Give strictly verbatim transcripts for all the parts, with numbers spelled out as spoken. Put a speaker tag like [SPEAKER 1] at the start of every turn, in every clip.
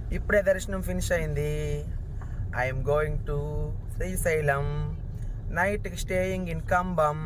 [SPEAKER 1] ఇప్పుడే దర్శనం ఫినిష్ అయింది. I'm going to Srisailam. Night staying in Cumbum.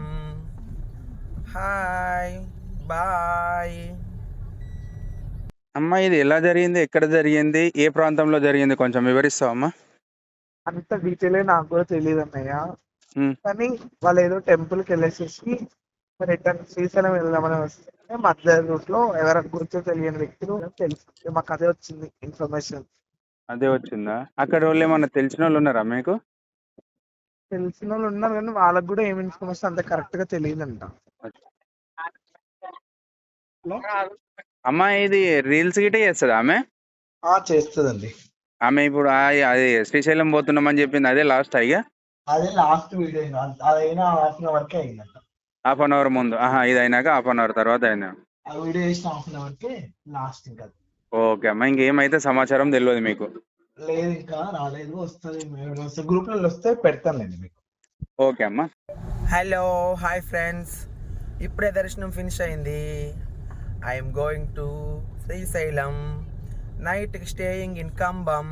[SPEAKER 1] Hi, bye.
[SPEAKER 2] అమ్మా ఇది ఎలా జరిగింది, ఎక్కడ జరిగింది, ఏ ప్రాంతంలో జరిగింది కొంచెం వివరిస్తావా అమ్మా?
[SPEAKER 3] అంత డీటెయిల్ నాకు కూడా తెలియదు అన్నయ్య.
[SPEAKER 2] ఉమ్,
[SPEAKER 3] కానీ వాళ్ళు ఏదో టెంపుల్కి వెళ్ళేసేసి రిటర్న్ శ్రీశైలం వెళ్దామని వస్తే మధ్య రూట్ లో ఎవరికి గుర్తు తెలియని వ్యక్తులు తెలుసు, మాకు అదే వచ్చింది ఇన్ఫర్మేషన్.
[SPEAKER 2] అదే వచ్చిందా? అక్కడ వాళ్ళు ఏమన్నా తెలిసిన వాళ్ళు ఉన్నారా మీకు?
[SPEAKER 3] తెలిసిన వాళ్ళు ఉన్నారు కానీ వాళ్ళకి కూడా ఏమి ఇన్ఫర్మేషన్ అంత కరెక్ట్ గా తెలియదంట.
[SPEAKER 2] అమ్మా ఇది రీల్స్ గిటే చేస్తుందా ఆమె?
[SPEAKER 3] ఆ చేస్తుందండి.
[SPEAKER 2] ఆమె ఇప్పుడు ఆ- అది శ్రీశైలం పోతున్నామని చెప్పింది, అదే లాస్ట్ అయ్యా?
[SPEAKER 3] అదే లాస్ట్ వీడియో అదైనా హాఫ్ అన్ అవర్ కే అయిందంట.
[SPEAKER 2] హాఫ్ అన్ అవర్ ముందు, ఆహా ఇది అయినాక హాఫ్ అన్ అవర్ తర్వాత అయినా.
[SPEAKER 3] ఆ వీడియో చేసిన హాఫ్ అన్ అవర్ కే లాస్ట్. ఇంకా
[SPEAKER 2] ఓకే అమ్మా, ఇంకేమైతే సమాచారం తెలియదు మీకు?
[SPEAKER 3] లేదు, ఇంకా రాలేదు, వస్తుంది. గ్రూప్ లో వస్తే పెడతానులేండి మీకు.
[SPEAKER 2] ఓకే అమ్మా.
[SPEAKER 1] Hello, hi friends. ఇప్పుడే దర్శనం ఫినిష్ అయింది. I'm going to Srisailam. Night staying in Cumbum.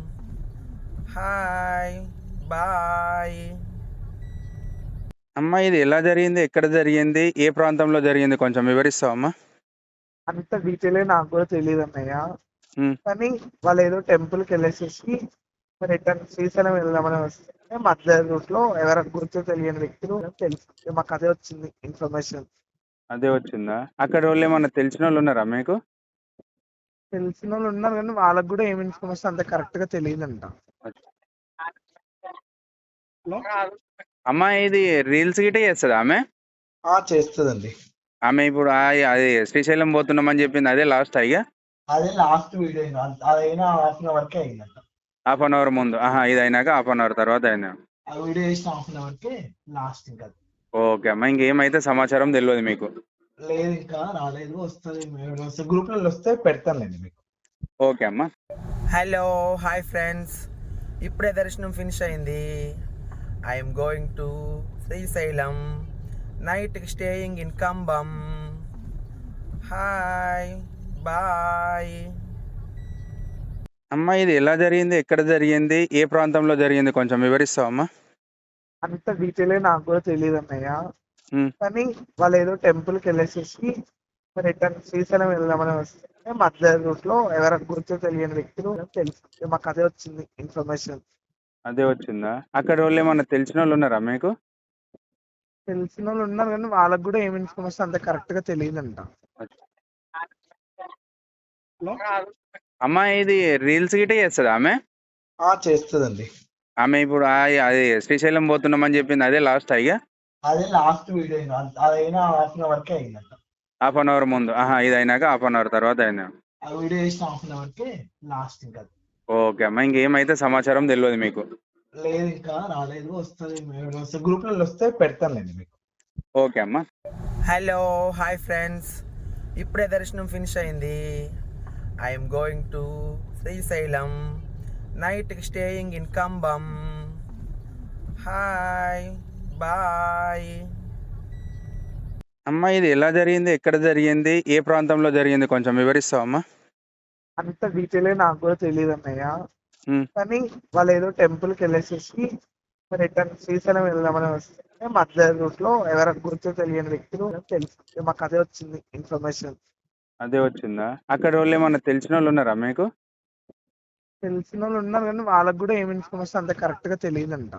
[SPEAKER 1] Hi, bye.
[SPEAKER 2] అమ్మా ఇది ఎలా జరిగింది, ఎక్కడ జరిగింది, ఏ ప్రాంతంలో జరిగింది కొంచెం వివరిస్తావా అమ్మా?
[SPEAKER 3] అంత డీటెయిల్ నాకు కూడా తెలియదు అన్నయ్య.
[SPEAKER 2] ఉమ్,
[SPEAKER 3] కానీ వాళ్ళు ఏదో టెంపుల్కి వెళ్ళేసేసి రిటర్న్ శ్రీశైలం వెళ్దామని వస్తే మధ్య రూట్ లో ఎవరికి గుర్తు తెలియని వ్యక్తులు తెలుసు, మాకు అదే వచ్చింది ఇన్ఫర్మేషన్.
[SPEAKER 2] అదే వచ్చిందా? అక్కడ వాళ్ళు ఏమన్నా తెలిసిన వాళ్ళు ఉన్నారా మీకు?
[SPEAKER 3] తెలిసిన వాళ్ళు ఉన్నారు కానీ వాళ్ళకి కూడా ఏమి ఇన్ఫర్మేషన్ అంత కరెక్ట్ గా తెలియదంట.
[SPEAKER 2] అమ్మా ఇది రీల్స్ గిటే చేస్తుందా ఆమె?
[SPEAKER 3] ఆ చేస్తుందండి.
[SPEAKER 2] ఆమె ఇప్పుడు ఆ- అది శ్రీశైలం పోతున్నామని చెప్పింది, అదే లాస్ట్ అయ్యా?
[SPEAKER 3] అదే లాస్ట్ వీడియో అదైనా హాఫ్ అన్ అవర్ కే అయిందంట.
[SPEAKER 2] హాఫ్ అన్ అవర్ ముందు, ఆహా ఇది అయినాక హాఫ్ అన్ అవర్ తర్వాత అయినా.
[SPEAKER 3] ఆ వీడియో చేసిన హాఫ్ అన్ అవర్ కే లాస్ట్. ఇంకా
[SPEAKER 2] ఓకే అమ్మా, ఇంకేమైతే సమాచారం తెలియదు మీకు?
[SPEAKER 3] లేదు, ఇంకా రాలేదు, వస్తుంది. గ్రూప్ లో వస్తే పెడతానులేండి మీకు.
[SPEAKER 2] ఓకే అమ్మా.
[SPEAKER 1] Hello, hi friends. ఇప్పుడే దర్శనం ఫినిష్ అయింది. I'm going to Srisailam. Night staying in Cumbum. Hi, bye.
[SPEAKER 2] అమ్మా ఇది ఎలా జరిగింది, ఎక్కడ జరిగింది, ఏ ప్రాంతంలో జరిగింది కొంచెం వివరిస్తావా అమ్మా?
[SPEAKER 3] అంత డీటెయిల్ నాకు కూడా తెలియదు అన్నయ్య.
[SPEAKER 2] ఉమ్,
[SPEAKER 3] కానీ వాళ్ళు ఏదో టెంపుల్కి వెళ్ళేసేసి రిటర్న్ శ్రీశైలం వెళ్దామని వస్తే మధ్య రూట్ లో ఎవరికి గుర్తు తెలియని వ్యక్తులు తెలుసు, మాకు అదే వచ్చింది ఇన్ఫర్మేషన్.
[SPEAKER 2] అదే వచ్చిందా? అక్కడ వాళ్ళు ఏమన్నా తెలిసిన వాళ్ళు ఉన్నారా మీకు?
[SPEAKER 3] తెలిసిన వాళ్ళు ఉన్నారు కానీ వాళ్ళకి కూడా ఏమి ఇన్ఫర్మేషన్ అంత కరెక్ట్ గా తెలియదంట.
[SPEAKER 2] అమ్మా ఇది రీల్స్ గిటే చేస్తుందా ఆమె?
[SPEAKER 3] ఆ చేస్తుందండి.
[SPEAKER 2] ఆమె ఇప్పుడు ఆ- అది శ్రీశైలం పోతున్నామని చెప్పింది, అదే లాస్ట్ అయ్యా?
[SPEAKER 3] అదే లాస్ట్ వీడియో అదైనా హాఫ్ అన్ అవర్ కే అయిందంట.
[SPEAKER 2] హాఫ్ అన్ అవర్ ముందు, ఆహా ఇది అయినాక హాఫ్ అన్ అవర్ తర్వాత అయినా.
[SPEAKER 3] ఆ వీడియో చేసిన హాఫ్ అన్ అవర్ కే లాస్ట్. ఇంకా
[SPEAKER 2] ఓకే అమ్మా, ఇంకేమైతే సమాచారం తెలియదు మీకు?
[SPEAKER 3] లేదు, ఇంకా రాలేదు, వస్తుంది. గ్రూప్ లో వస్తే పెడతానులేండి మీకు.
[SPEAKER 2] ఓకే అమ్మా.
[SPEAKER 1] Hello, hi friends. ఇప్పుడే దర్శనం ఫినిష్ అయింది. I'm going to Srisailam. Night staying in Cumbum. Hi, bye.
[SPEAKER 2] అమ్మా ఇది ఎలా జరిగింది, ఎక్కడ జరిగింది, ఏ ప్రాంతంలో జరిగింది కొంచెం వివరిస్తావా అమ్మా?
[SPEAKER 3] అంత డీటెయిల్ నాకు కూడా తెలియదు అన్నయ్య.
[SPEAKER 2] ఉమ్,
[SPEAKER 3] కానీ వాళ్ళు ఏదో టెంపుల్కి వెళ్ళేసేసి రిటర్న్ శ్రీశైలం వెళ్దామని వస్తే మధ్య రూట్ లో ఎవరికి గుర్తు తెలియని వ్యక్తులు తెలుసు, మాకు అదే వచ్చింది ఇన్ఫర్మేషన్.
[SPEAKER 2] అదే వచ్చిందా? అక్కడ వాళ్ళు ఏమన్నా తెలిసిన వాళ్ళు ఉన్నారా మీకు?
[SPEAKER 3] తెలిసిన వాళ్ళు ఉన్నారు కానీ వాళ్ళకి కూడా ఏమి ఇన్ఫర్మేషన్ అంత కరెక్ట్ గా తెలియదంట.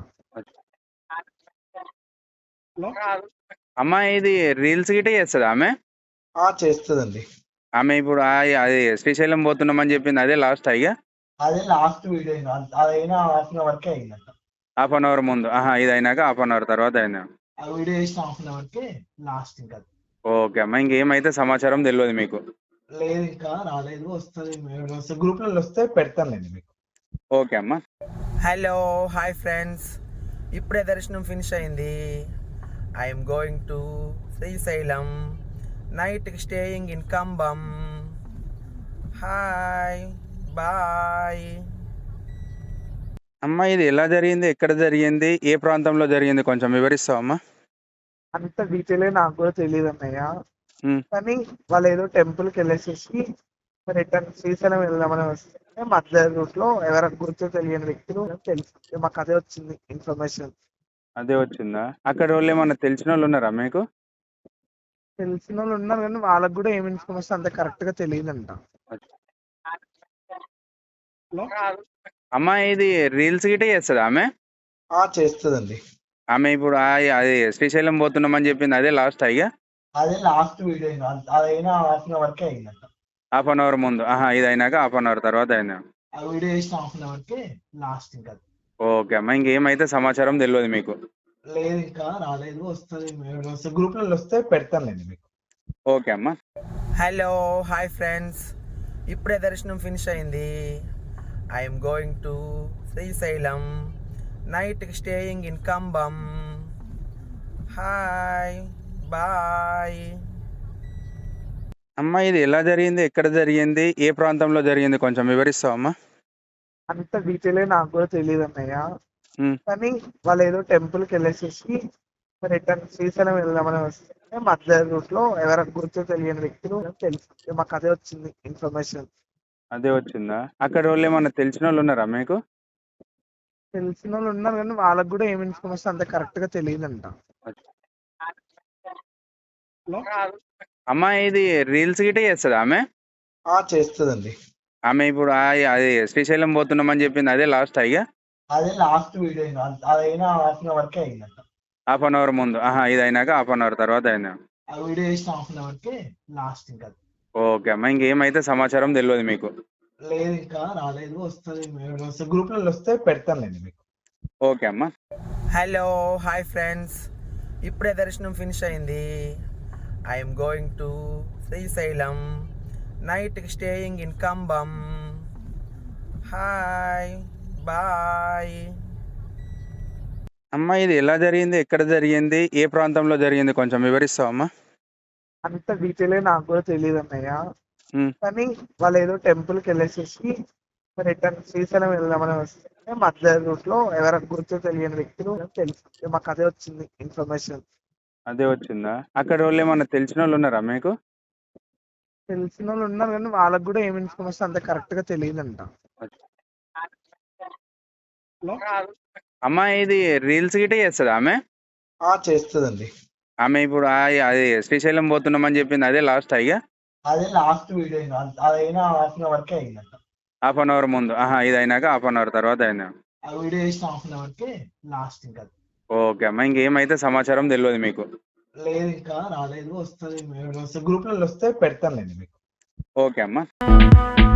[SPEAKER 2] అమ్మా ఇది రీల్స్ గిటే చేస్తుందా ఆమె?
[SPEAKER 3] ఆ చేస్తుందండి.
[SPEAKER 2] ఆమె ఇప్పుడు ఆ- అది శ్రీశైలం పోతున్నామని చెప్పింది, అదే లాస్ట్ అయ్యా?
[SPEAKER 3] అదే లాస్ట్ వీడియో అదైనా హాఫ్ అన్ అవర్ కే అయిందంట.
[SPEAKER 2] హాఫ్ అన్ అవర్ ముందు, ఆహా ఇది అయినాక హాఫ్ అన్ అవర్ తర్వాత అయినా.
[SPEAKER 3] ఆ వీడియో చేసిన హాఫ్ అన్ అవర్ కే లాస్ట్. ఇంకా
[SPEAKER 2] ఓకే అమ్మా, ఇంకేమైతే సమాచారం తెలియదు మీకు?
[SPEAKER 3] లేదు, ఇంకా రాలేదు, వస్తుంది. గ్రూప్ లో వస్తే పెడతానులేండి మీకు.
[SPEAKER 2] ఓకే అమ్మా.
[SPEAKER 1] Hello, hi friends. ఇప్పుడే దర్శనం ఫినిష్ అయింది. I'm going to Srisailam. Night staying in Cumbum. Hi, bye.
[SPEAKER 2] అమ్మా ఇది ఎలా జరిగింది, ఎక్కడ జరిగింది, ఏ ప్రాంతంలో జరిగింది కొంచెం వివరిస్తావా అమ్మా?
[SPEAKER 3] అంత డీటెయిల్ నాకు కూడా తెలియదు అన్నయ్య.
[SPEAKER 2] ఉమ్,
[SPEAKER 3] కానీ వాళ్ళు ఏదో టెంపుల్కి వెళ్ళేసేసి రిటర్న్ శ్రీశైలం వెళ్దామని వస్తే మధ్య రూట్ లో ఎవరికి గుర్తు తెలియని వ్యక్తులు తెలుసు. మాకు అదే వచ్చింది ఇన్ఫర్మేషన్.
[SPEAKER 2] అదే వచ్చిందా? అక్కడ వాళ్ళు ఏమన్నా తెలిసిన వాళ్ళు ఉన్నారా మీకు?
[SPEAKER 3] తెలిసిన వాళ్ళు ఉన్నారు కానీ వాళ్ళకి కూడా ఏమి ఇన్ఫర్మేషన్ అంత కరెక్ట్ గా తెలియదంట.
[SPEAKER 2] అమ్మ ఇది రీల్స్ గిటే చేస్తుంది ఆమె.
[SPEAKER 3] ఆ చేస్తుందండి.
[SPEAKER 2] ఆమె ఇప్పుడు ఆ- అది శ్రీశైలం పోతున్నామని చెప్పింది అదే లాస్ట్ అయ్యా.
[SPEAKER 3] అదే లాస్ట్ వీడియో అదైనా హాఫ్ అన్ అవర్ కే అయిందంట.
[SPEAKER 2] హాఫ్ అన్ అవర్ ముందు, ఆహా ఇది అయినాక హాఫ్ అన్ అవర్ తర్వాత అయిందా?
[SPEAKER 3] ఆ వీడియో చేసిన హాఫ్ అన్ అవర్ కే లాస్ట్. ఇంకా
[SPEAKER 2] ఓకే అమ్మ, ఇంకేమైతే సమాచారం తెలియదు మీకు?
[SPEAKER 3] లేదు, ఇంకా రాలేదు. వస్తుంది వస్తే గ్రూప్ లో వస్తే పెడతానులేండి మీకు.
[SPEAKER 2] ఓకే అమ్మ.
[SPEAKER 1] హలో హాయ్ ఫ్రెండ్స్, ఇప్పుడే దర్శనం ఫినిష్ అయింది. I'm going to Srisailam, night staying in Cumbum. Hi bye.
[SPEAKER 2] అమ్మ ఇది ఎలా జరిగింది, ఎక్కడ జరిగింది, ఏ ప్రాంతంలో జరిగింది కొంచెం వివరిస్తావా అమ్మా?
[SPEAKER 3] అంత డీటెయిల్ నాకు కూడా తెలియదు అన్నయ్య.
[SPEAKER 2] ఉమ్,
[SPEAKER 3] కానీ వాళ్ళు ఏదో టెంపుల్ కి వెళ్ళేసేసి రిటర్న్ శ్రీశైలం వెళ్దామని వస్తే మధ్య రూట్ లో ఎవరికి గుర్తు తెలియని వ్యక్తులు తెలుసు. మాకు అదే వచ్చింది ఇన్ఫర్మేషన్.
[SPEAKER 2] అదే వచ్చిందా? అక్కడ వాళ్ళు ఏమన్నా తెలిసిన వాళ్ళు ఉన్నారా మీకు?
[SPEAKER 3] తెలిసిన వాళ్ళు ఉన్నారు కానీ వాళ్ళకి కూడా ఏమి ఇన్ఫర్మేషన్ అంత కరెక్ట్ గా తెలియదంట.
[SPEAKER 2] అమ్మ ఇది రీల్స్ గిటే చేస్తుంది ఆమె.
[SPEAKER 3] ఆ చేస్తుందండి.
[SPEAKER 2] ఆమె ఇప్పుడు ఆ- అది శ్రీశైలం పోతున్నామని చెప్పింది అదే లాస్ట్ అయ్యా.
[SPEAKER 3] అదే లాస్ట్ వీడియో అదైనా హాఫ్ అన్ అవర్ కే అయిందంట.
[SPEAKER 2] హాఫ్ అన్ అవర్ ముందు, ఆహా ఇది అయినాక హాఫ్ అన్ అవర్ తర్వాత అయిందా?
[SPEAKER 3] ఆ వీడియో చేసిన హాఫ్ అన్ అవర్ కే లాస్ట్. ఇంకా
[SPEAKER 2] ఓకే అమ్మ, ఇంకేమైతే సమాచారం తెలియదు మీకు?
[SPEAKER 3] లేదు, ఇంకా రాలేదు. వస్తుంది వస్తే గ్రూప్ లో వస్తే పెడతానులేండి మీకు.
[SPEAKER 2] ఓకే అమ్మ.
[SPEAKER 1] హలో హాయ్ ఫ్రెండ్స్, ఇప్పుడే దర్శనం ఫినిష్ అయింది. I'm going to Srisailam, night staying in Cumbum. Hi bye.
[SPEAKER 2] అమ్మ ఇది ఎలా జరిగింది, ఎక్కడ జరిగింది, ఏ ప్రాంతంలో జరిగింది కొంచెం వివరిస్తావా అమ్మా?
[SPEAKER 3] అంత డీటెయిల్ నాకు కూడా తెలియదు అన్నయ్య.
[SPEAKER 2] ఉమ్,
[SPEAKER 3] కానీ వాళ్ళు ఏదో టెంపుల్ కి వెళ్ళేసేసి రిటర్న్ శ్రీశైలం వెళ్దామని వస్తే మధ్య రూట్ లో ఎవరికి గుర్తు తెలియని వ్యక్తులు తెలుసు. మాకు అదే వచ్చింది ఇన్ఫర్మేషన్.
[SPEAKER 2] అదే వచ్చిందా? అక్కడ వాళ్ళు ఏమన్నా తెలిసిన వాళ్ళు ఉన్నారా మీకు?
[SPEAKER 3] తెలిసిన వాళ్ళు ఉన్నారు కానీ వాళ్ళకి కూడా ఏమి ఇన్ఫర్మేషన్ అంత కరెక్ట్ గా తెలియదంట.
[SPEAKER 2] అమ్మ ఇది రీల్స్ గిటే చేస్తుంది ఆమె.
[SPEAKER 3] ఆ చేస్తుందండి.
[SPEAKER 2] ఆమె ఇప్పుడు ఆ- అది శ్రీశైలం పోతున్నామని చెప్పింది అదే లాస్ట్ అయ్యా.
[SPEAKER 3] అదే లాస్ట్ వీడియో అదైనా హాఫ్ అన్ అవర్ కే అయిందంట.
[SPEAKER 2] హాఫ్ అన్ అవర్ ముందు, ఆహా ఇది అయినాక హాఫ్ అన్ అవర్ తర్వాత అయిందా?
[SPEAKER 3] ఆ వీడియో చేసిన హాఫ్ అన్ అవర్ కే లాస్ట్. ఇంకా
[SPEAKER 2] ఓకే అమ్మ, ఇంకేమైతే సమాచారం తెలియదు మీకు?
[SPEAKER 3] లేదు, ఇంకా రాలేదు. వస్తుంది వస్తే గ్రూప్ లో వస్తే పెడతానులేండి మీకు.
[SPEAKER 2] ఓకే అమ్మ.